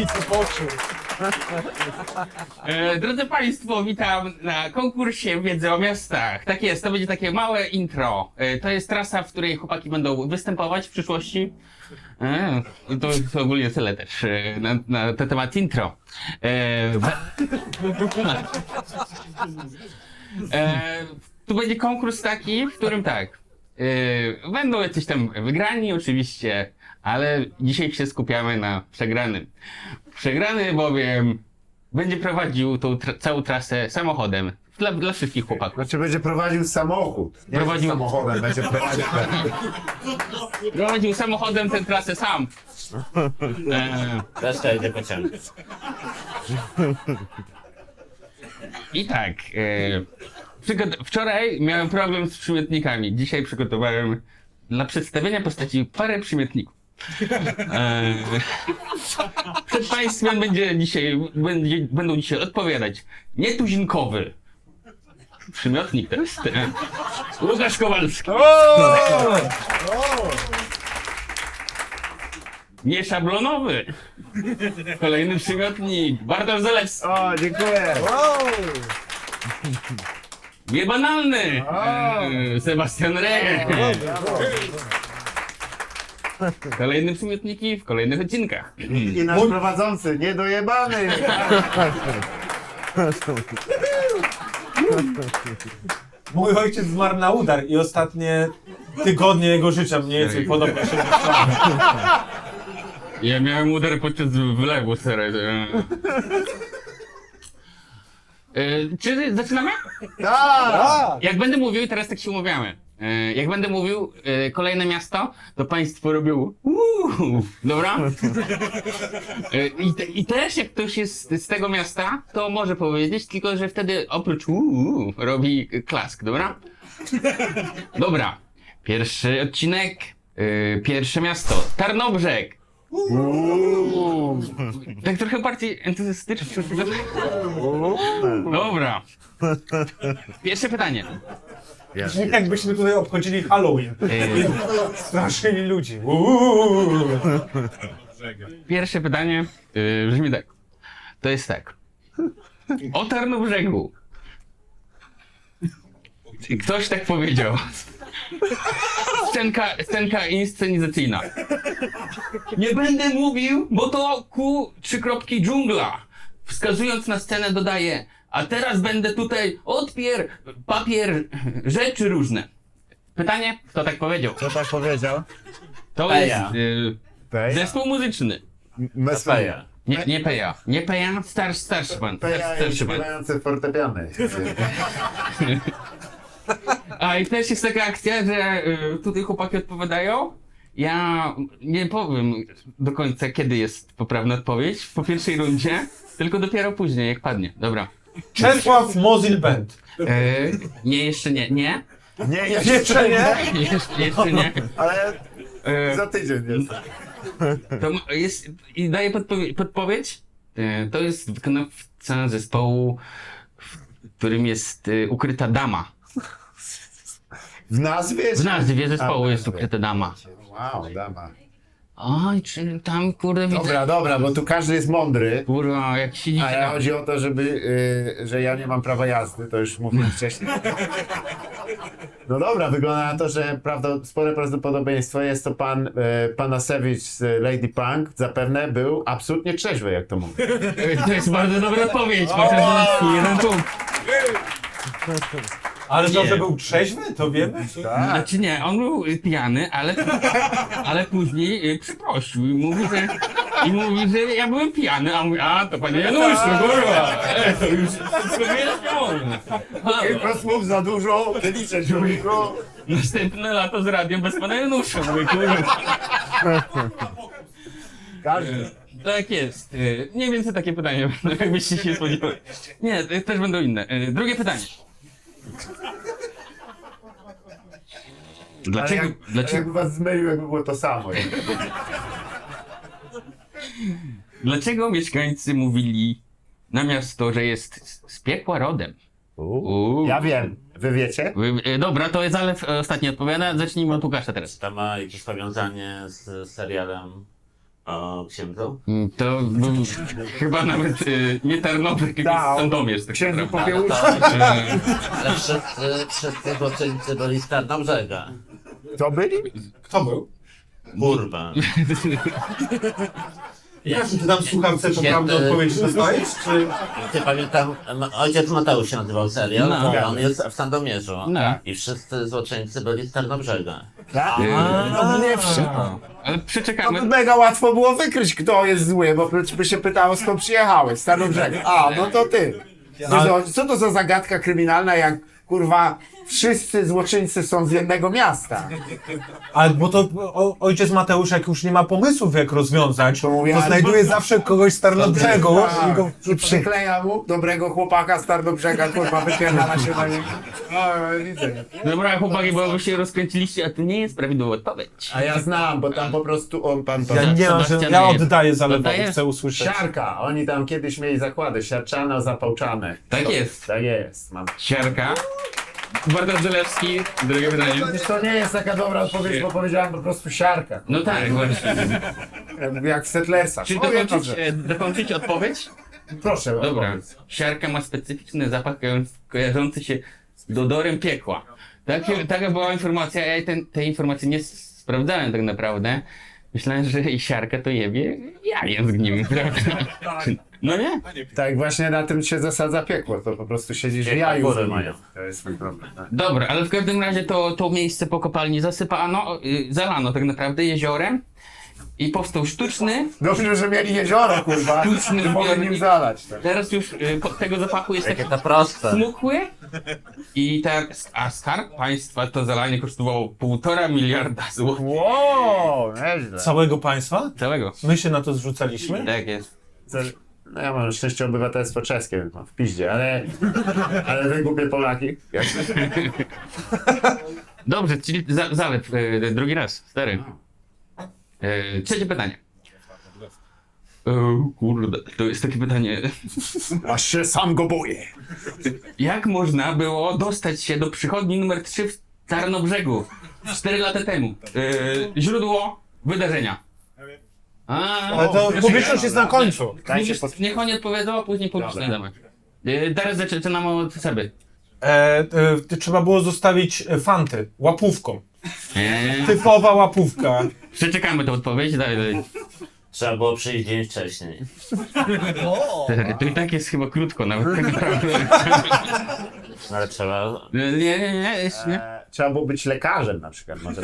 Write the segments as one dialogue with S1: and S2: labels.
S1: co poczuł.
S2: Drodzy Państwo, witam na konkursie Wiedzy o Miastach. Tak jest, to będzie takie małe intro. To jest trasa, w której chłopaki będą występować w przyszłości. To ogólnie tyle też na ten temat intro. Tu będzie konkurs taki, w którym tak, będą jacyś tam wygrani oczywiście, ale dzisiaj się skupiamy na przegranym. Przegrany bowiem będzie prowadził tą całą trasę samochodem dla wszystkich chłopaków.
S3: Znaczy będzie prowadził samochód. Nie
S2: Prowadził-
S3: samochodem, będzie prowadził.
S2: Prowadził samochodem tę trasę sam.
S4: Reszta idzie pociągiem.
S2: I tak, wczoraj miałem problem z przymiotnikami. Dzisiaj przygotowałem dla przedstawienia postaci parę przymiotników. Przed Państwem będą dzisiaj odpowiadać nietuzinkowy. Przymiotnik to jest Łukasz Kowalski. Nieszablonowy. Kolejny przymiotnik. Bartosz Zalewski.
S3: O, dziękuję.
S2: Niebanalny. Sebastian Rey. Kolejne przymiotniki w kolejnych odcinkach.
S3: I nasz prowadzący, niedojebany.
S1: Mój ojciec zmarł na udar i ostatnie tygodnie jego życia mniej więcej podobno się
S2: Ja miałem udar podczas wylewu, serio. Czy zaczynamy?
S3: Tak.
S2: Jak będę mówił, teraz tak się umawiamy. Jak będę mówił kolejne miasto, to państwo robią dobra? I też jak ktoś jest z tego miasta, to może powiedzieć, tylko że wtedy oprócz robi klask, dobra? Dobra. Pierwszy odcinek, pierwsze miasto, Tarnobrzeg. Tak trochę bardziej entuzjastycznie. Dobra. Pierwsze pytanie.
S1: jakbyśmy tutaj obchodzili Halloween. Straszyli ludzi.
S2: Pierwsze pytanie brzmi tak. To jest tak. O Tarnobrzegu. Ktoś tak powiedział. Scenka inscenizacyjna. Nie będę mówił, bo to dżungla. Wskazując na scenę dodaje, a teraz będę tutaj papier, rzeczy różne. Pytanie, kto tak powiedział?
S3: Co tak powiedział?
S2: To
S4: Peja.
S2: jest zespół muzyczny.
S4: Peja.
S2: Nie Peja. Nie Peja, starszy pan.
S3: Peja jest
S2: Starszy pan.
S3: śpiewający fortepiany.
S2: A i też jest taka akcja, że tutaj chłopaki odpowiadają. Ja nie powiem do końca, kiedy jest poprawna odpowiedź po pierwszej rundzie, tylko dopiero później, jak padnie. Dobra.
S1: Czesław Mozil Band.
S2: Nie, jeszcze nie. Nie?
S3: Nie,
S1: Jeszcze nie?
S2: Jeszcze nie.
S3: Ale
S2: E,
S3: za tydzień jest.
S2: to jest i daję podpowiedź. To jest wykonawca zespołu, w którym jest ukryta dama.
S3: W nazwie?
S2: W nazwie zespołu
S3: A, w
S2: jest
S3: nazwie.
S2: ukryta dama.
S3: Wow, dama.
S2: Oj, czy tam kurde widzę.
S3: Dobra, bo tu każdy jest mądry.
S2: Kurwa, jak siedzicie
S3: A ja chodzi o to, że ja nie mam prawa jazdy, to już mówiłem wcześniej. No dobra, wygląda na to, że spore prawdopodobieństwo jest to pan Panasewicz z Lady Punk. Zapewne był absolutnie trzeźwy, jak to mówię.
S2: To jest bardzo dobra odpowiedź. Proszę jeden punkt.
S1: Ale to, że był trzeźwy, to wiemy?
S2: Znaczy nie, on był pijany, ale później przeprosił i mówi, że ja byłem pijany, a on mówi, a to panie Januszu, kurwa, to już wszystko wyjaśnione.
S3: Kilka słów za dużo, nie liczę człowieku.
S2: Następne lato z radiem bez pana Janusza, mówię, kurwa.
S3: Każdy.
S2: Tak jest. Mniej więcej takie pytanie, jakbyście się spodziewali. Nie, też będą inne. Drugie pytanie. Dlaczego?
S3: Jakby was zmylił, jakby było to samo.
S2: Dlaczego mieszkańcy mówili na miasto, że jest z piekła rodem?
S3: Ja wiem. Wy wiecie?
S2: Dobra, to jest Zalew ostatni odpowiada. Zacznijmy od Łukasza teraz.
S4: To ma jakieś powiązanie z serialem O księdzu?
S2: To był chyba nawet nie Tarnobrzeg, tylko
S3: Tak,
S2: Sandomierz. Tak
S3: Księdzu
S2: naprawdę.
S3: Popiełuszki.
S4: Ale wszyscy złoczyńcy byli z Tarnobrzega.
S3: To byli?
S1: Kto był?
S4: Kurwa.
S1: Czy ty tam w słuchawce
S4: Święty-
S1: poprawne odpowiedzi dostajesz, czy...
S4: Ty pamiętam, ojciec Mateusz się nazywał serial,
S2: No.
S4: on jest w Sandomierzu.
S2: No.
S4: I wszyscy złoczyńcy byli z Tarnobrzega.
S3: No nie wszyscy.
S2: Ale
S3: To
S2: przeczekamy.
S3: by mega łatwo było wykryć, kto jest zły, bo by się pytało, skąd przyjechałeś, z Tarnobrzega. A, no to ty. Co to za zagadka kryminalna, jak kurwa wszyscy złoczyńcy są z jednego miasta?
S1: Ale bo to ojciec Mateusz, jak już nie ma pomysłów, jak rozwiązać, to znajduje zawsze kogoś z Tarnobrzegu i go...
S3: I przykleja mu dobrego chłopaka z Tarnobrzega, kurwa, wypierdala się na niego. O, widzę.
S2: Dobra, chłopaki, bo wy się rozkręciliście, a to nie jest prawidłowa odpowiedź.
S3: A ja znam, bo tam po prostu on, pan to...
S1: Ja nie mam, że
S2: Sebastian
S1: ja
S2: jest.
S1: oddaję Zalewowi,
S2: Oddajesz?
S1: chcę usłyszeć.
S3: Siarka, oni tam kiedyś mieli zakłady, siarczane, zapałczane.
S2: Tak jest.
S3: Tak jest, mam.
S2: Siarka. Bartosz Zalewski, drugie pytanie.
S3: To nie jest taka dobra odpowiedź, bo powiedziałem po prostu siarka.
S2: No tak, właśnie.
S3: Jak w Settlersach.
S2: Czy
S3: O, jedno,
S2: dokończyć,
S3: że-
S2: dokończyć odpowiedź?
S3: Proszę,
S2: Dobra.
S3: opowiedz.
S2: Siarka ma specyficzny zapach kojarzący się z odorem piekła. Taka była informacja, ja tej informacji nie sprawdzałem tak naprawdę. Myślałem, że i siarka to jebie jajem z nim, prawda? No nie?
S3: Tak, właśnie na tym się zasadza piekło, to po prostu siedzisz w
S4: Piekła
S3: jaju.
S4: góry
S3: z nim.
S4: mają.
S3: To jest mój problem. Tak.
S2: Dobra, ale w każdym razie to miejsce po kopalni zasypano, zalano tak naprawdę jeziorem i powstał sztuczny.
S3: Dobrze, że mieli jezioro, kurwa.
S2: Sztuczny
S3: Nie mogę nim
S2: zbiornik.
S3: zalać. Tak.
S2: Teraz już tego zapachu jest taki
S4: Jakie to proste.
S2: smukły a skarb państwa to zalanie kosztowało 1,5 miliarda złotych.
S3: Wow, nieźle.
S1: Całego państwa?
S2: Całego.
S1: My się na to zrzucaliśmy?
S2: Tak jest.
S3: No ja mam szczęście obywatelstwo czeskie, więc mam w piździe, ale wy głupie Polaki. Jak...
S2: Dobrze, czyli Zalew, drugi raz, stary. Trzecie pytanie. Kurde, to jest takie pytanie.
S3: Aż się sam go boję.
S2: Jak można było dostać się do przychodni numer 3 w Tarnobrzegu 4 lata temu? Źródło wydarzenia.
S1: Ale to publiczność jest na końcu.
S3: Dajcie
S2: Niech oni odpowiedzą, a później publicznie damy. Teraz zaczynamy od Seby.
S1: Trzeba było zostawić fanty łapówką.
S2: Eee,
S1: Typowa łapówka.
S2: Przeczekamy tę odpowiedź. Dalej.
S4: Trzeba było przyjść dzień wcześniej.
S2: To i tak jest chyba krótko nawet tak naprawdę.
S4: No ale trzeba...
S2: Nie, nie.
S3: Trzeba było być lekarzem na przykład. Może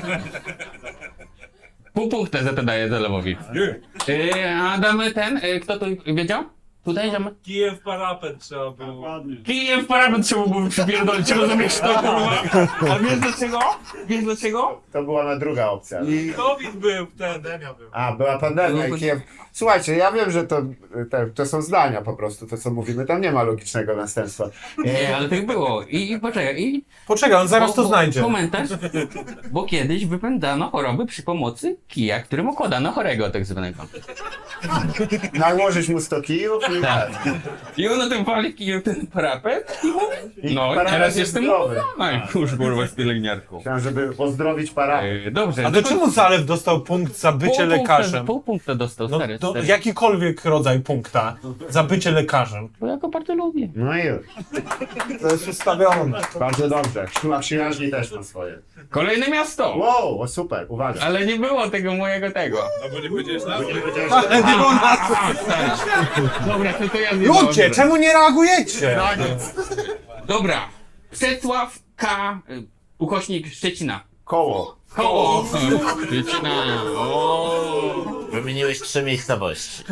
S2: Pół punkta za to daję Zalewowi. A damy ten, kto to wiedział? Tutaj damy?
S5: Kijew parapet trzeba było.
S2: Kijem w parapet trzeba było przypierdolić, rozumiesz to, kurwa? A wiesz dlaczego? Wiesz dlaczego?
S3: to była na druga opcja.
S5: COVID był wtedy.
S3: A, była pandemia i Kijew. Słuchajcie, ja wiem, że to są zdania po prostu, to co mówimy, tam nie ma logicznego następstwa.
S2: Nie, ale tak było. I poczekaj,
S1: Poczekaj, on zaraz to znajdzie.
S2: Komentarz, bo kiedyś wypędzano choroby przy pomocy kija, którym okładano chorego tak zwanego.
S3: Nałożyć mu 100 kijów i...
S2: Tak. I on na tym wali kijem ten parapet i mówi, no
S3: parapet
S2: teraz
S3: jest
S2: jestem
S3: zdrowy.
S2: uwolniony. Kurz, kurwa, z pielęgniarką.
S3: Chciałem, żeby pozdrowić parapet.
S2: Dobrze.
S1: A to czemu Zalew dostał punkt za bycie lekarzem?
S2: Pół punkta dostał,
S1: No,
S2: stary.
S1: to
S2: stary.
S1: jakikolwiek rodzaj punkta za bycie lekarzem.
S2: Bo ja go bardzo lubię.
S3: No i już.
S1: To jest ustawione.
S3: Bardzo dobrze. Siła przyjaźni też ma swoje.
S2: Kolejne miasto!
S3: Wow, o super, uwaga.
S2: Ale nie było tego mojego tego.
S5: No bo nie powiedziałeś na
S1: Ale nie było na co.
S2: Dobra, to ja zjebałem.
S1: Ludzie, czemu nie reagujecie?
S2: Dobra. Przecław K. Ukośnik Szczecina.
S3: Koło.
S2: Koło. Szczecina. O.
S4: Wymieniłeś 3 miejscowości.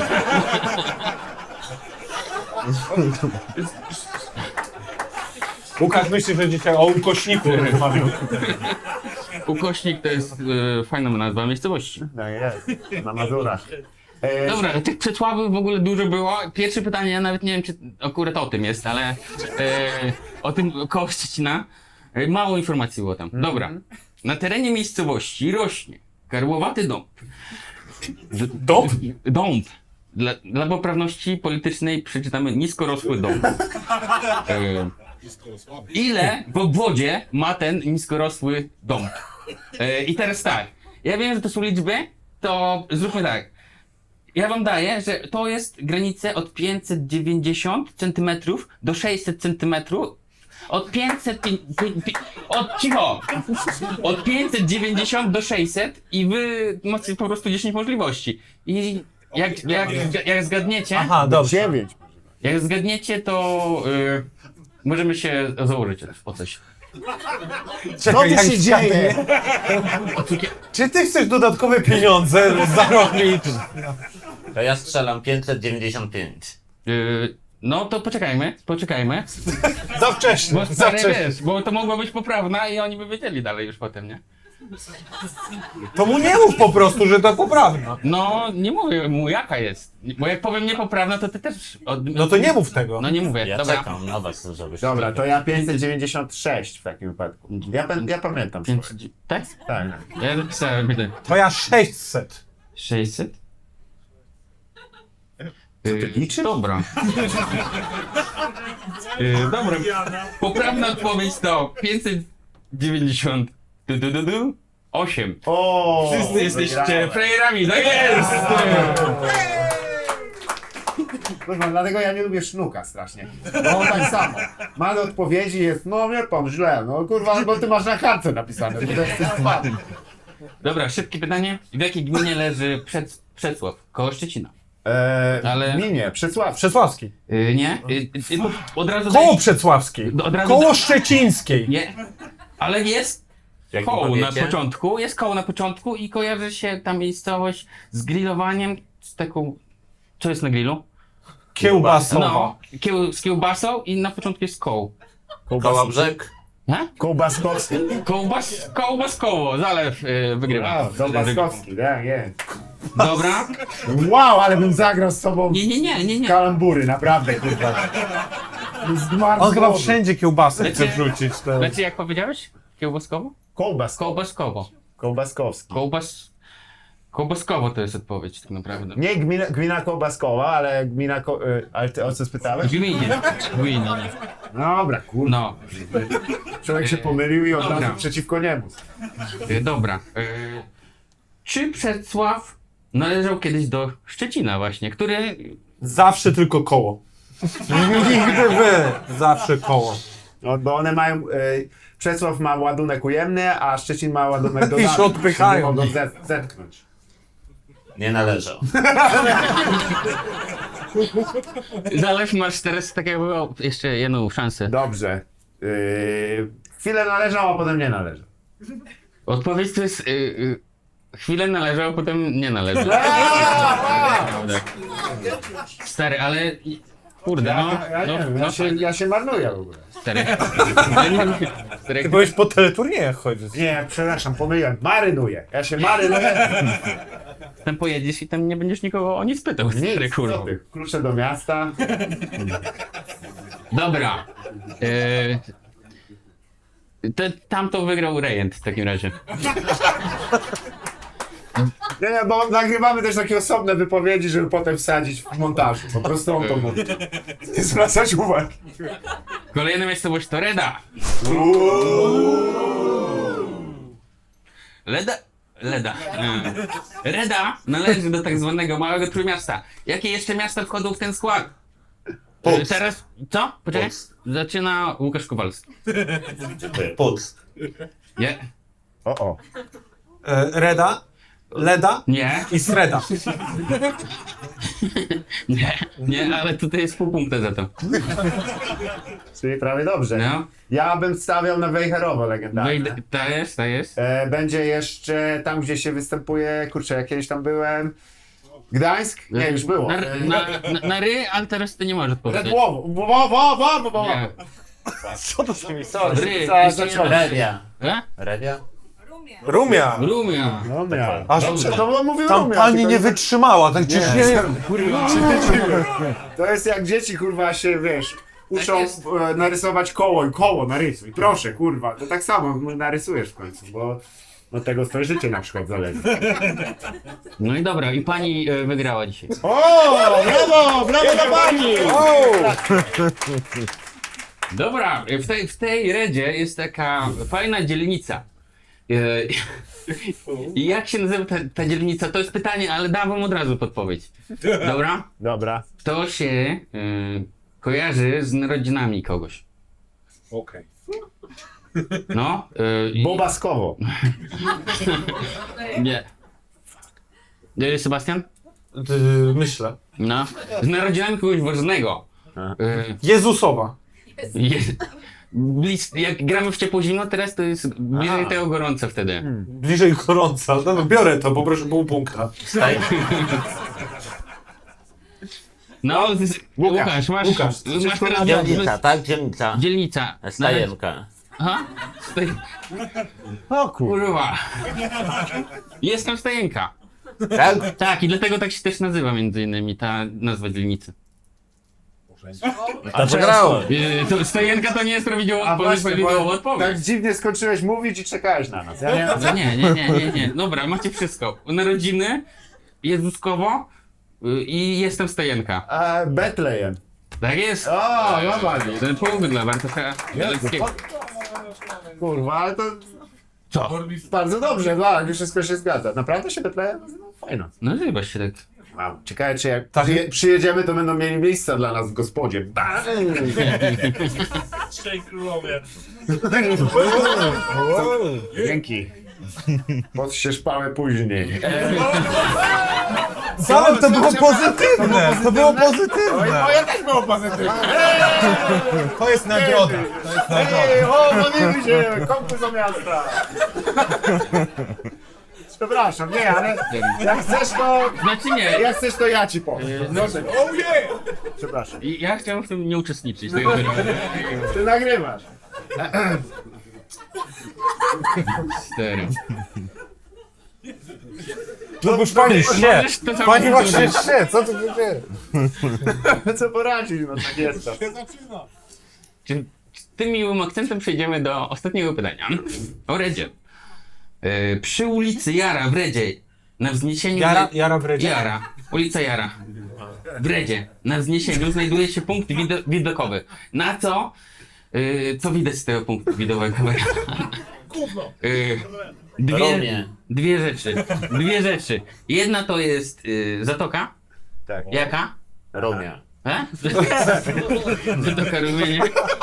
S1: Łukasz myśli, że dzisiaj o ukośniku rozmawiał.
S2: Ukośnik to jest fajna nazwa miejscowości.
S3: No jest, na Mazurach.
S2: Dobra, tych przecławów w ogóle dużo było. Pierwsze pytanie, ja nawet nie wiem, czy akurat o tym jest, ale o tym koło Szczecina. Mało informacji było tam. Dobra. Na terenie miejscowości rośnie karłowaty dąb.
S1: Dąb?
S2: Dąb. Dla poprawności politycznej przeczytamy niskorosły dąb. Ile w obwodzie ma ten niskorosły dąb? I teraz tak. Ja wiem, że to są liczby, to zróbmy tak. Ja wam daję, że to jest granice od 590 cm do 600 cm. Od 500... cicho! Od 590 do 600 i wy macie po prostu 10 możliwości. I jak zgadniecie...
S1: Aha, dobrze.
S3: 9.
S2: Jak zgadniecie, to możemy się założyć o coś.
S3: Co tu
S1: jak
S3: się dzieje?
S1: Czy ty chcesz dodatkowe pieniądze zarobić?
S4: To ja strzelam 595.
S2: No to poczekajmy.
S1: Za wcześnie,
S2: Bo
S1: za
S2: stary,
S1: wcześnie.
S2: wiesz, bo to mogła być poprawna i oni by wiedzieli dalej już potem, nie?
S1: To mu nie mów po prostu, że to poprawna.
S2: No, nie mówię mu jaka jest. Bo jak powiem niepoprawna, to ty też...
S1: No to nie mów tego.
S2: No nie mówię,
S4: Ja
S2: dobra.
S4: czekam na was, żebyś...
S3: Dobra, to ja 596 w takim wypadku. Ja pamiętam swoje.
S2: Tak?
S3: Tak.
S2: Ja napisałem, będę.
S1: To ja 600.
S2: 600?
S3: liczysz?
S2: Dobra. Dobra. Poprawna odpowiedź to 598.
S3: O!
S2: Wszyscy jesteście
S3: wygrałem.
S2: frajerami, tak jest!
S3: Kurwa, dlatego ja nie lubię sznuka strasznie. Bo on tak samo. Ma do odpowiedzi jest, no wie pan, źle, no kurwa, bo ty masz na kartce napisane, bo to jest spadł.
S2: Dobra, szybkie pytanie. W jakiej gminie leży Przecław? Koło Szczecina. Ale-
S3: Gminie, Przecław.
S1: Przesławski.
S2: Nie? Od razu
S1: Koło
S2: daję-
S1: Przecławskiej.
S2: Od razu
S1: Koło Szczecińskiej.
S2: Nie. Ale jest
S4: Jak
S2: koło na
S4: powiecie?
S2: początku, jest koło na początku i kojarzy się ta miejscowość z grillowaniem, z taką... Co jest na grillu?
S1: Kiełbasowa.
S2: No, z kiełbasą i na początku jest koło.
S4: Kołobrzeg.
S2: Nie?
S3: Kołbaskowski.
S2: Kołbaskowo, zalew wygrywa.
S3: Kołbaskowski, tak, jest.
S2: Dobra.
S3: Wow, ale bym zagrał z tobą
S2: Nie.
S3: kalambury, naprawdę, kurwa. Zmarł
S1: On
S3: z
S1: chyba
S3: głowy.
S1: wszędzie kiełbasy chce
S2: Wiecie-
S1: wrzucić. To...
S2: Znaczy jak powiedziałeś? Kiełbaskowo?
S3: Kołbaskowo.
S2: Kołbaskowo.
S3: Kołbaskowski.
S2: Kołbaskowo to jest odpowiedź tak naprawdę.
S3: Nie gmina Kołbaskowa, ale gmina... ale ty o co spytałeś?
S2: Gminie.
S3: Dobra, kurwa.
S2: No.
S3: Człowiek się pomylił i od
S2: Dobra.
S3: razu przeciwko niemu.
S2: Dobra. Czy Przecław należał kiedyś do Szczecina właśnie, który...
S1: Zawsze tylko koło. Nigdy wy. Zawsze koło.
S3: No, bo one mają... Przecław ma ładunek ujemny, a Szczecin ma ładunek dodatni.
S1: się odpychają.
S3: Nie mogą zetknąć.
S4: Nie należał.
S2: Zalew masz teraz tak jakby jeszcze jedną szansę.
S3: Dobrze. Chwilę należał, a potem nie należał.
S2: Odpowiedź to jest... chwilę należał, potem nie należał. Naprawdę. Stary, ale... Kurde, no...
S3: Ja nie wiem, ja się marnuję w ogóle.
S2: Stary.
S1: Ty byłeś po teleturniejach chodzić.
S3: Nie, przepraszam, pomyliłem. Marynuję. Ja się marynuję.
S2: Tam pojedziesz i tam nie będziesz nikogo o nic pytał. Stary,
S3: Nic,
S2: kurwa.
S3: co ty? Klucze do miasta.
S2: Dobra. Tam to wygrał Rejent w takim razie.
S3: Nie, bo nagrywamy też takie osobne wypowiedzi, żeby potem wsadzić w montażu. Po prostu on to mówi. Nie zwracać uwagi.
S2: Kolejna miejscowość to Reda. Leda. Reda należy do tak zwanego małego trójmiasta. Jakie jeszcze miasta wchodzą w ten skład? Teraz, co? Poczekaj.
S4: Puck.
S2: Zaczyna Łukasz Kowalski.
S4: Puck.
S2: Nie?
S3: O.
S1: Reda, Leda
S2: Nie.
S1: i Sreda.
S2: Nie, ale tutaj jest pół punkta za to.
S3: Czyli prawie dobrze.
S2: No.
S3: Ja bym stawiał na Wejherowo legendarne.
S2: Ta jest.
S3: Będzie jeszcze tam, gdzie się występuje. Kurczę, ja kiedyś tam byłem. Gdańsk? Nie, już było.
S2: Na ry, ale teraz ty nie możesz odpowiedzieć.
S3: Redłowo.
S2: Nie.
S1: Co to za miejsce?
S2: Ry,
S3: Co
S2: jeszcze
S3: zacząłem?
S2: nie-
S4: Redia.
S2: E?
S4: Redia?
S1: Rumia.
S2: Rumia.
S3: No miałem.
S1: Aż
S3: To mówił
S1: tam
S3: Rumia,
S1: pani
S3: tylko
S1: nie wytrzymała, tak gdzieś nie...
S3: To jest jak dzieci, kurwa, się, wiesz, uczą
S2: jest.
S3: narysować koło i koło narysuj. Proszę, kurwa, to tak samo narysujesz w końcu, bo od tego twoje życie na przykład zależy.
S2: No i dobra, i pani wygrała dzisiaj.
S3: O, brawo dla pani!
S2: Dobra, w tej Redzie jest taka fajna dzielnica. I jak się nazywa ta dzielnica? To jest pytanie, ale dam wam od razu podpowiedź. Dobra?
S3: Dobra.
S2: To się kojarzy z narodzinami kogoś.
S1: Okej.
S2: No.
S3: Bobaskowo.
S2: Nie. Sebastian?
S1: Myślę.
S2: No. Z narodzinami kogoś ważnego.
S1: Jezusowa.
S2: Jak gramy w ciepło zimno, teraz to jest bliżej tego gorąco wtedy.
S1: Bliżej gorąca. No, biorę to, poproszę pół punkta.
S2: No, Łukasz, masz teraz
S4: Dzielnica, tak? Dzielnica.
S2: dzielnica.
S4: Stajenka.
S2: Aha.
S3: O kurwa.
S2: Kurwa. Jestem Stajenka.
S4: Tak?
S2: Tak, i dlatego tak się też nazywa między innymi ta nazwa dzielnicy.
S4: A przegrało.
S2: To Stajenka to nie jest prawidłowa
S3: Tak
S2: odpowiedź.
S3: dziwnie skończyłeś mówić i czekałeś na nas. Ja nie...
S2: Nie. Dobra, macie wszystko. Narodziny, Jezuskowo i jestem Stajenka.
S3: Betlejem.
S2: Tak jest.
S3: O, jobali.
S2: Ten punkt dla Bartosza Bieleckiego.
S3: Kurwa, ale to
S2: Co?
S3: bardzo dobrze, tak, wszystko się zgadza. Naprawdę się Betlejem nazywa? Fajno.
S2: No chyba się tak.
S3: Wow. Ciekawe, czy jak
S1: Tak.
S3: przyjedziemy, to będą mieli miejsca dla nas w gospodzie. Bang!
S5: Trzej królowie.
S3: Dzięki. Pod się szpałę później.
S1: Ale to było pozytywne! To było pozytywne!
S3: Moje też było pozytywne.
S1: To jest nagroda. To jest nagroda.
S3: Ej, o, modlimy się! Konkurs do miasta! Przepraszam, nie, ale jak chcesz to...
S2: Znaczy nie.
S3: Jak chcesz to ja ci powiem.
S1: Oh yeah!
S3: Przepraszam.
S2: Ja chciałem w tym nie uczestniczyć. Tego
S3: Ty nagrywasz.
S2: Serio.
S1: No już pani się!
S2: Możesz to samo
S1: Pani
S2: powtórzyć.
S1: właśnie się! Co tu się dzieje?
S3: Co poradzić, no tak jest to.
S2: Czy tym miłym akcentem przejdziemy do ostatniego pytania. O Redzie. Przy ulicy Jara w Redzie, na wzniesieniu...
S1: Jara w Redzie?
S2: Jara. Ulica Jara. W Redzie. Na wzniesieniu znajduje się punkt widokowy. Na co? Co widać z tego punktu widokowego?
S4: Romie.
S2: Dwie rzeczy. Jedna to jest zatoka.
S3: Tak.
S2: Jaka?
S3: Romia.
S2: Zatoka Rumie,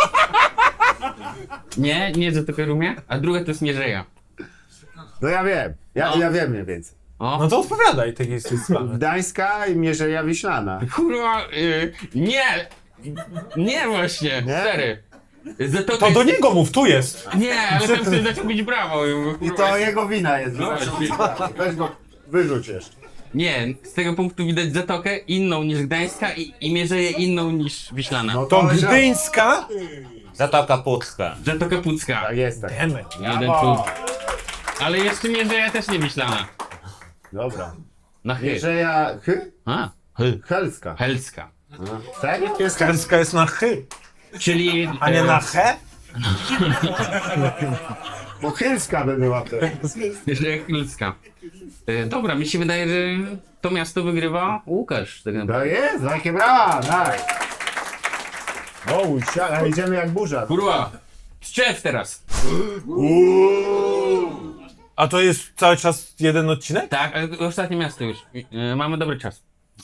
S2: nie? Nie Zatoka Rumie. A druga to jest Mierzeja.
S3: No ja wiem. Ja wiem mniej więcej.
S2: O.
S1: No to odpowiadaj takiej sprawy.
S3: Gdańska i Mierzeja Wiślana.
S2: Kurwa, nie! Nie właśnie,
S3: Nie?
S2: stary. Zatoka
S1: To do niego mów, tu jest!
S2: Nie, ale tam chcę dać mówić brawo.
S3: I to jego wina jest.
S2: No,
S3: Weź go, wyrzuć jeszcze.
S2: nie, z tego punktu widać Zatokę inną niż Gdańska i Mierzeję inną niż Wiślana.
S3: No
S1: To
S3: jest-
S1: Gdyńska?
S4: Zatoka Pucka.
S2: Zatoka Pucka.
S3: Tak jest, tak.
S1: Demy.
S2: Jeden
S3: Brawo.
S2: punkt. Ale jeszcze Mierzeja też nie Wiślana.
S3: Dobra.
S2: Na chy.
S3: Mierzeja
S2: A,
S3: Helska.
S2: Helska.
S3: Tak? Jest
S1: Gdańska jest na chy,
S2: Czyli...
S1: a nie na he?
S3: Bo Helska by była wtedy.
S2: Mierzeja Helska. Dobra, mi się wydaje, że to miasto wygrywa Łukasz. Tak naprawdę.
S3: To jest, jakie brawa, tak. O, a idziemy jak burza.
S2: Kurwa! Strzew teraz!
S1: A to jest cały czas jeden odcinek?
S2: Tak, ale ostatnie miasto już. Mamy dobry czas.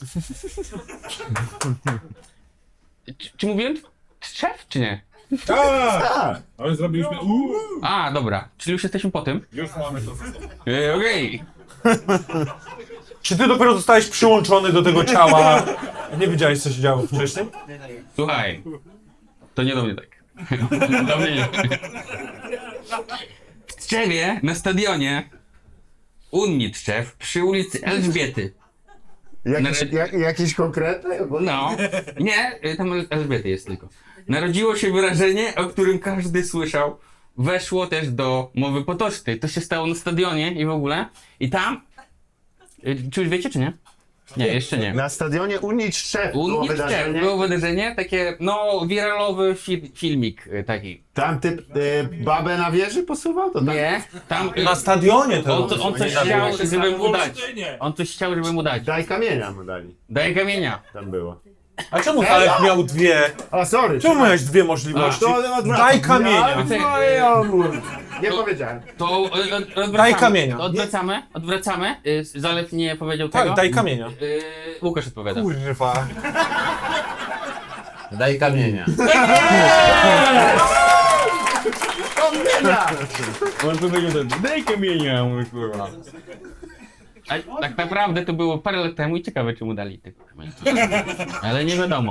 S2: Czy mówiłem Strzew, czy nie?
S3: Tak.
S5: Ale zrobiliśmy
S2: A, dobra. Czyli już jesteśmy po tym?
S5: Już mamy to.
S2: Okej.
S1: Czy ty dopiero zostałeś przyłączony do tego ciała? Nie wiedziałeś, co się działo wcześniej?
S2: Słuchaj. To nie do mnie tak. Do mnie nie. W Tczewie, na stadionie Unii Tczew, przy ulicy Elżbiety.
S3: Jakiś konkretny? Bo...
S2: No. Nie, tam Elżbiety jest tylko. Narodziło się wyrażenie, o którym każdy słyszał. Weszło też do mowy potocznej. To się stało na stadionie i w ogóle. I tam... Czy już wiecie, czy nie? Nie, jeszcze nie.
S3: Na stadionie Unii Tczew było
S2: Unii
S3: wydarzenie.
S2: Tczew było wydarzenie, takie, no, wiralowy filmik taki.
S3: Tam typ babę na wieży posuwał? To tak?
S2: Nie, tam...
S1: Na stadionie to.
S2: On coś chciał, żeby mu dać.
S5: Olsztynie.
S2: On coś chciał, żeby mu dać.
S3: Daj kamienia mu dali.
S2: Daj kamienia.
S3: Tam było.
S1: A czemu Halep miał dwie?
S3: A sorry.
S1: Czemu miałeś dwie możliwości?
S3: To odwracam.
S1: Daj kamienia.
S3: Ja, no, ja, Nie powiedziałem.
S2: To odwracamy.
S1: Daj kamienia.
S2: Odwracamy. Zalew nie powiedział
S1: Tak,
S2: tego.
S1: daj kamienia.
S2: Łukasz odpowiada.
S1: Kurwa.
S4: Daj kamienia.
S2: On powiedział tak, daj kamienia, mój kurwa. A tak naprawdę to było parę lat temu i ciekawe czemu dali tego kamienia. Ale nie wiadomo,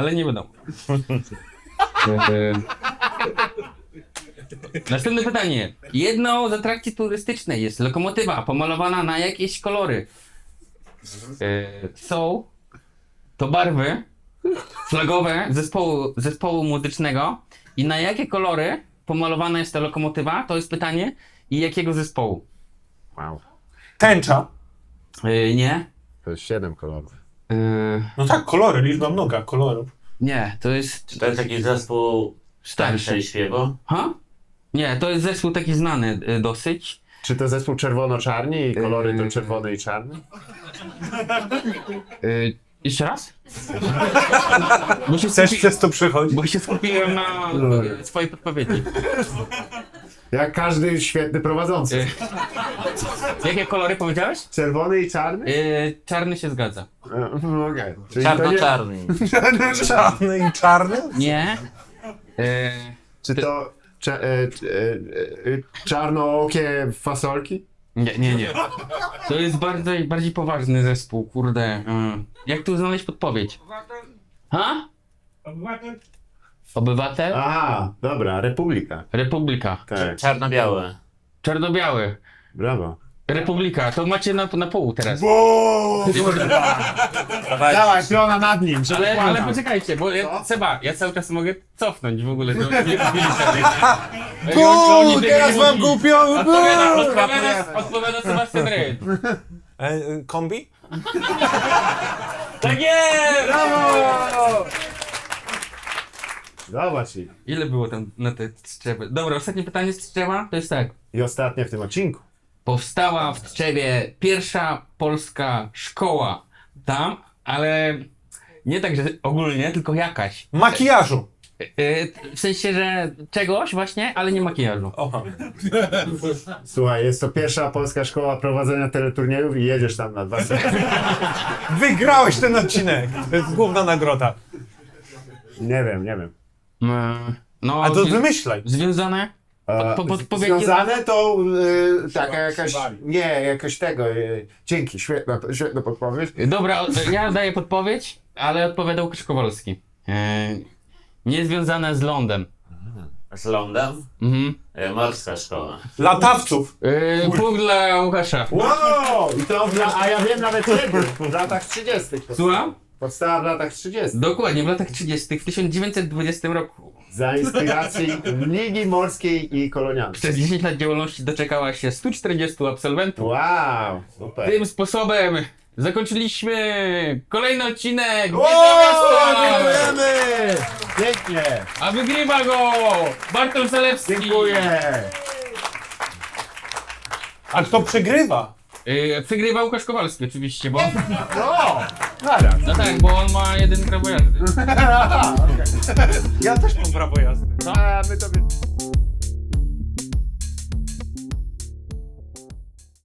S2: Następne pytanie. Jedną z atrakcji turystycznej jest lokomotywa pomalowana na jakieś kolory. Są to barwy flagowe zespołu muzycznego i na jakie kolory pomalowana jest ta lokomotywa? To jest pytanie. I jakiego zespołu?
S3: Wow.
S1: Tęcza.
S2: Nie.
S3: To jest 7 kolorów.
S1: No tak, kolory, liczba mnoga kolorów.
S2: Nie, to jest...
S4: To jest taki zespół
S2: Starszy.
S4: i śpiewo.
S2: Ha? Nie, to jest zespół taki znany dosyć.
S3: Czy to zespół czerwono-czarni i kolory to czerwony i czarny?
S2: Jeszcze raz? Bo się,
S1: Chcesz przez to przechodzić?
S2: bo się skupiłem na swojej podpowiedzi.
S3: Jak każdy świetny prowadzący.
S2: Jakie kolory powiedziałeś?
S3: Czerwony i czarny?
S2: Czarny się zgadza.
S3: Okej. Czyli to nie-
S4: Czarno-czarny.
S1: Czarny i czarny?
S2: Nie.
S3: Czy to czarnookie fasolki?
S2: Nie. To jest bardziej poważny zespół, kurde. Jak tu znaleźć podpowiedź? Ha? Obywatel?
S3: Aha, dobra, Republika.
S2: Republika.
S3: Tak,
S4: Czarno-białe.
S2: Czarno-biały.
S3: brawo.
S2: Republika. To macie na pół teraz.
S3: Dawaj, piona nad nim, żeby
S2: Ale
S3: kłamał.
S2: poczekajcie, bo ja cały czas mogę cofnąć w ogóle.
S1: Teraz wam głupio!
S2: Odpowiada Sebastian Ryd.
S1: Kombi?
S2: Tak jest!
S3: Brawo! Zobacz ich.
S2: Ile było tam na te Tczewy? Dobra, ostatnie pytanie z Tczewa to jest tak.
S3: I ostatnie w tym odcinku.
S2: Powstała w Tczewie pierwsza polska szkoła tam, ale nie tak, że ogólnie, tylko jakaś.
S1: Makijażu.
S2: W sensie, że czegoś właśnie, ale nie makijażu.
S1: Oha.
S3: Słuchaj, jest to pierwsza polska szkoła prowadzenia teleturniejów i jedziesz tam na 2 sekundy.
S1: Wygrałeś ten odcinek. To jest główna nagroda.
S3: Nie wiem.
S2: No,
S1: A to wymyślaj.
S2: związane? Podpowiedź-
S3: Związane to taka jakaś... Nie, jakoś tego. Dzięki, świetna podpowiedź.
S2: Dobra, ja daję podpowiedź, ale odpowiadał Krzykowalski. Nie związane z lądem.
S4: Z lądem.
S2: Mhm.
S4: Morska szkoła.
S1: Latawców.
S2: Punkt dla Łukasza.
S3: Wow! I to a ja wiem nawet kiedy. W latach 30.
S2: Słucham?
S3: Powstała w latach 30.
S2: Dokładnie, w latach 30. w 1920 roku.
S3: Za inspiracji Ligi Morskiej i Kolonialnej.
S2: Przez 10 lat działalności doczekała się 140 absolwentów.
S3: Wow! Super.
S2: Tym sposobem zakończyliśmy kolejny odcinek
S3: Wow,
S2: Wiedza Miasta!
S3: dziękujemy! Pięknie!
S2: A wygrywa go Bartosz Zalewski.
S3: Dziękuję!
S1: A kto przegrywa?
S2: Przegrywa Łukasz Kowalski oczywiście, bo...
S3: No! Zaraz.
S2: No tak, bo on ma jeden prawo jazdy.
S1: Ja też mam prawo jazdy.
S3: A my tobie...